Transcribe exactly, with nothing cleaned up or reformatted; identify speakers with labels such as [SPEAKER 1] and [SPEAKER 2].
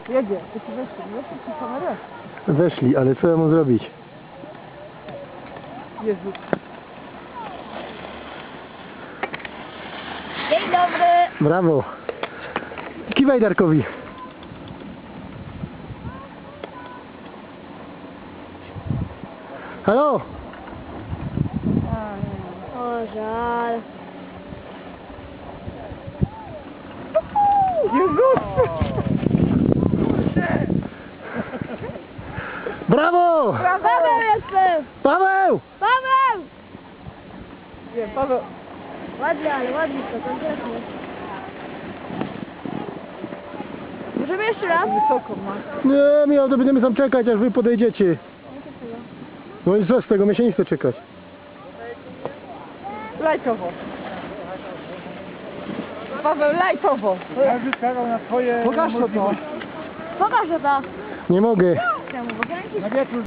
[SPEAKER 1] Jedzie, to ci weszli, weszli ci kamerę.
[SPEAKER 2] Weszli, ale co ja mam zrobić?
[SPEAKER 1] Jezu.
[SPEAKER 3] Dzień dobry.
[SPEAKER 2] Brawo. Kiwaj Darkowi. Halo?
[SPEAKER 3] O, żal.
[SPEAKER 1] Jezus!
[SPEAKER 2] Brawo!
[SPEAKER 3] Paweł jestem.
[SPEAKER 2] Paweł!
[SPEAKER 3] Paweł!
[SPEAKER 1] Nie, Paweł.
[SPEAKER 3] Ładnie, ale ładnie to, konkretnie. Możemy jeszcze raz?
[SPEAKER 1] Wysoko ma.
[SPEAKER 2] Nie, miał, to będziemy tam czekać, aż wy podejdziecie. No i co z tego, my się nie chce czekać.
[SPEAKER 1] Lajtowo. Paweł, lajtowo.
[SPEAKER 4] Każdy czekał na swoje
[SPEAKER 1] Pokaż to to.
[SPEAKER 3] Pokaż to.
[SPEAKER 2] Nie mogę.
[SPEAKER 3] Czemu? Bo kręcisz
[SPEAKER 4] na wieczór.